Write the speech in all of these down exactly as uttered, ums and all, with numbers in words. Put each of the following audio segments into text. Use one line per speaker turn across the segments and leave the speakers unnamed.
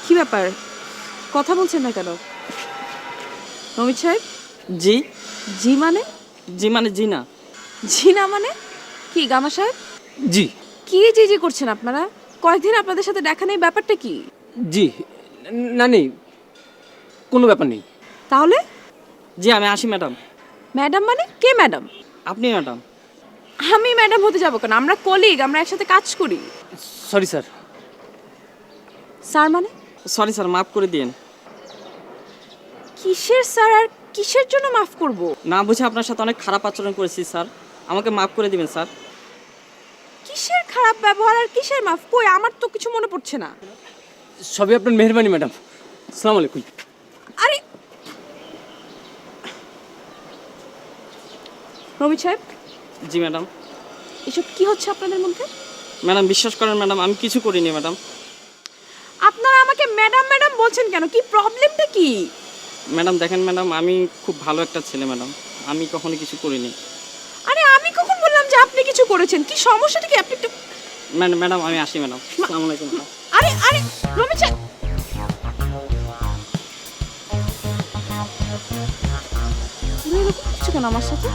কি ব্যাপার কথা বলছেন না কেন? রমিত সাহেব।
জি
জি মানে?
জি মানে জি না।
জি না মানে কি গামা সাহেব?
জি
কি জি জি করছেন আপনারা? কয়েকদিন আপনাদের সাথে দেখা নেই, ব্যাপারটা কি?
জি না নেই, কোনো ব্যাপার নেই।
তাহলে
জি আমি আসি ম্যাডাম।
ম্যাডাম মানে কে ম্যাডাম?
আপনি ম্যাডাম।
আমি ম্যাডাম হতে যাবো কেন? আমরা কলিগ, আমরা একসাথে কাজ করি।
Sorry sir.
স্যার মানে?
সরি স্যার, মাফ করে দিন।
কিসের স্যার আর কিসের জন্য মাফ করব?
না বুঝে আপনার সাথে অনেক খারাপ আচরণ করেছি স্যার, আমাকে মাফ করে দিবেন স্যার।
কিসের খারাপ ব্যবহার আর কিসের মাফ? কই আমার তো কিছু মনে পড়ছে না।
সবই আপনার মেহরবানি ম্যাডাম। আসসালামু আলাইকুম।
আরে রমিত সাহেব,
জি ম্যাডাম।
এসব কি হচ্ছে আপনাদের মধ্যে?
ম্যাডাম বিশ্বাস করেন ম্যাডাম, আমি কিছু করিনি ম্যাডাম।
আপনারা আমাকে ম্যাডাম ম্যাডাম বলছেন কেন? কি প্রবলেমটা কি?
ম্যাডাম দেখেন ম্যাডাম, আমি খুব ভালো একটা ছেলে ম্যাডাম, আমি কখনো কিছু করিনি।
আরে আমি কখন বললাম যে আপনি কিছু করেছেন? কি সমস্যাটা কি? আপনি একটু
ম্যাডাম ম্যাডাম আমি আসি ম্যাডাম। আসসালামু আলাইকুম।
আরে আরে রমিত সাহেব, তুমি এরকম করছো কেন আমার সাথে?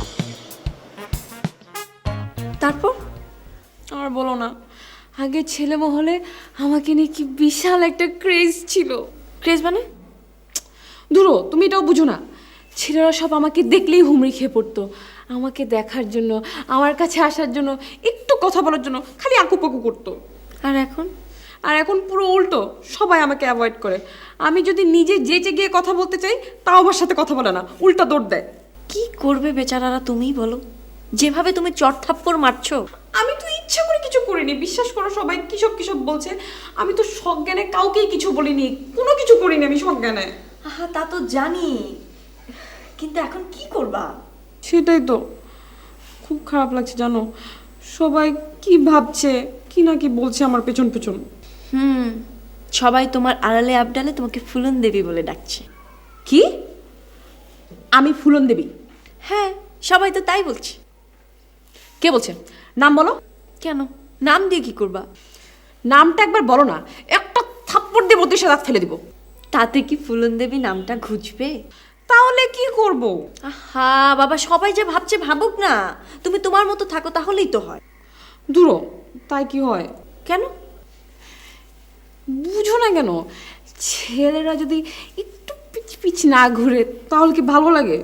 তারপর আর বলো না, আগে ছেলে মহলে আমাকে নিয়ে কি বিশাল একটা ক্রেজ ছিল। ক্রেজ মানে? ধুরো, তুমি এটাও বুঝো না। ছেলেরা সব আমাকে দেখলেই হুমড়ি খেয়ে পড়তো। আমাকে দেখার জন্য, আমার কাছে আসার জন্য, একটু কথা বলার জন্য খালি আকুপাকু করতো। আর এখন? আর এখন পুরো উল্টো, সবাই আমাকে অ্যাভয়েড করে। আমি যদি নিজে যেচে গিয়ে কথা বলতে চাই, তাও আমার সাথে কথা বলে না, উল্টা দৌড় দেয়।
কি করবে বেচারারা, তুমিই বলো। যেভাবে তুমি চড়থাপ্পড় মারছো।
আমি তো ইচ্ছা করে কিছু করিনি, বিশ্বাস করো। সবাই কিসব কিসব বলছে, আমি তো সজ্ঞানে কাউকেই কিছু বলিনি, কোনো কিছু করিনি আমি সজ্ঞানে।
আহা তা তো জানি, কিন্তু এখন কি করবা?
সেটাই তো খুব খারাপ লাগছে জানো। সবাই কি ভাবছে, কি না কি বলছে আমার পেছন পেছন।
হুম, সবাই তোমার আড়ালে আবডালে তোমাকে ফুলন দেবী বলে ডাকছে।
কি? আমি ফুলন দেবী?
হ্যাঁ, সবাই তো তাই বলছে।
কে বলছে? নাম বলো।
কেন, নাম দিয়ে কি করবা?
নামটা একবার বলো না, একটা থাপ্পড় দিয়ে বত্রিশে দাঁত ফেলে দিব।
তাতে কি ফুলন দেবী নামটা ঘুচবে?
তাহলে কি করব?
আহা বাবা, সবাই যে ভাবছে ভাবুক না, তুমি তোমার মতো থাকো তাহলেই তো হয়।
দূরো, তাই কি হয়?
কেন?
বুঝো না কেন? ছেলেরা যদি একটু পিচ পিচ না ঘুরে তাহলে কি ভালো লাগে?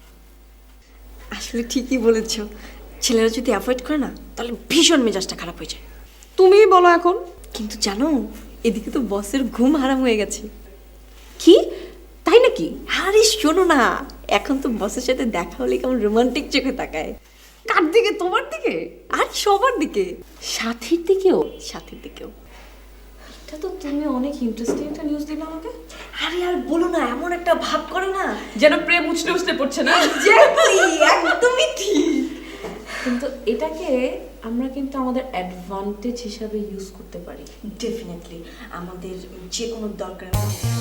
আসলে ঠিকই বলেছ, ছেলেরা যদি অ্যাভয়েড করে না তাহলে ভীষণ মেজাজটা খারাপ হয়ে যায়।
তুমিই বলো এখন।
কিন্তু জানো, এদিকে তো বসের ঘুম হারাম হয়ে গেছে।
কি? তাই নাকি?
আরে শোনো না, এখন তো বসের সাথে দেখা হলে কেমন রোমান্টিক চোখে তাকায়।
কার দিকে? তোমার দিকে?
আর সবার দিকে,
সাথীর দিকেও?
সাথীর দিকেও।
এটা তো তুমি অনেক ইন্টারেস্টিং একটা নিউজ দিলে আমাকে।
আরে আর বলো না, এমন একটা ভাব করে না
যেন প্রেম উছলে উছলে পড়ছে না।
একদমই ঠিক।
কিন্তু এটাকে আমরা কিন্তু আমাদের অ্যাডভান্টেজ হিসাবে ইউজ করতে পারি।
ডেফিনেটলি আমাদের যে কোনো দরকার।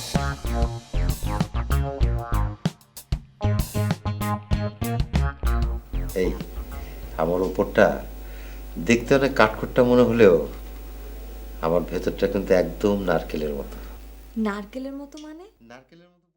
এই আমার উপরটা দেখতে অনেক কাঠখোট্টা মনে হলেও আমার ভেতরটা কিন্তু একদম নারকেলের মতো।
নারকেলের মতো মানে?
নারকেলের মতো